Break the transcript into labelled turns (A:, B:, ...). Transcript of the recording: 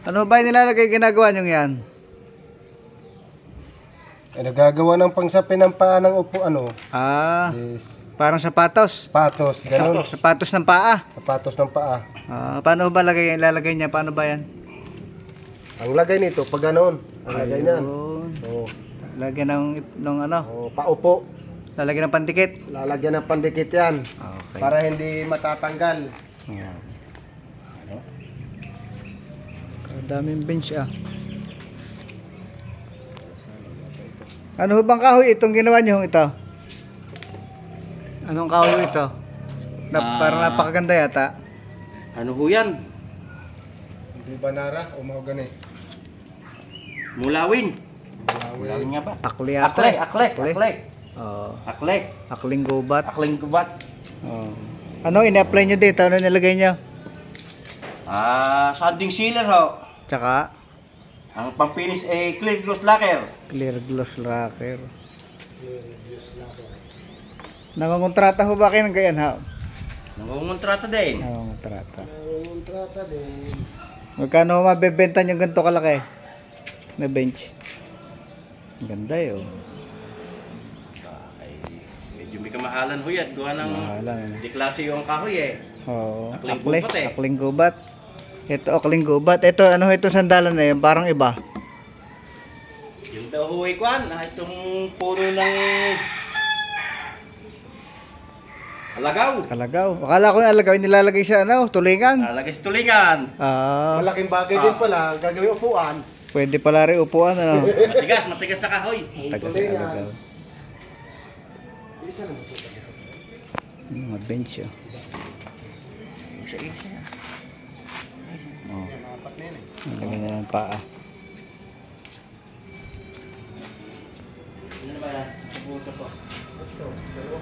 A: Ano ba yung nilalagay ginagawa nyo yan?
B: Nagagawa ng pangsapin ng paa ng upo, Yes.
A: Parang sapatos.
B: Sapatos, ganun.
A: Sapatos ng paa.
B: Sapatos ng paa.
A: Paano ba ilalagay niya? Paano ba yan?
B: Ang lagay nito, pag ganun. Ang lagay niyan. Oo.
A: Lagyan ng ano?
B: Oh, paupo.
A: Lalagyan ng pandikit.
B: Lalagyan ng pandikit yan.
A: Okay.
B: Para hindi matatanggal.
A: Ayan. Daming bench Ano bang kahoy itong ginawa niyo ito? Anong kahoy ito? Parang napakaganda yata.
C: Ano ho yan?
B: Hindi ba nara o mahogani?
C: Mulawin. Mulawin nga ba?
A: Akli yata.
C: Akle.
A: Oo.
C: Akle.
A: Akling gubat.
C: Akling gubat.
A: Oo. Ano ina-apply niyo dito? Ano nilagay niyo?
C: Sanding sealer ho.
A: Tsaka
C: Ang pampinis ay clear gloss lacquer.
A: clear gloss lacquer. Nangongontrata ho ba kayo ng ganyan ha?
C: Nangungontrata din.
A: Nangongontrata.
B: Kontrata din.
A: Magkano mabebenta yung ganito kalaki na bench? Ang ganda yun.
C: Ay, medyo may kamahalan ho yan. Gawa ng
A: Mahalan.
C: di klase yung kahoy eh.
A: Oo.
C: Akling gubat eh.
A: Akling gubat. Ito akling gubat. Ito ano ito sandalan na yun? Parang iba.
C: Yung daw ho ay kwan. Itong puno ng alagaw.
A: Alagaw. Akala ko yung alagaw nilalagay sa tulingan.
C: Alagay sa tulingan.
B: Malaking bagay din pala. Gagawin upuan.
A: Pwede pala rin upuan
C: Matigas na kahoy.
A: Taga sa alagaw.
B: Isa lang ito.
A: Mga bench
C: Isa-isa.
B: Apat na yan eh.
A: Nalagyan na ng paa.
C: Ano ba yan? Sa buto po.
B: Ito.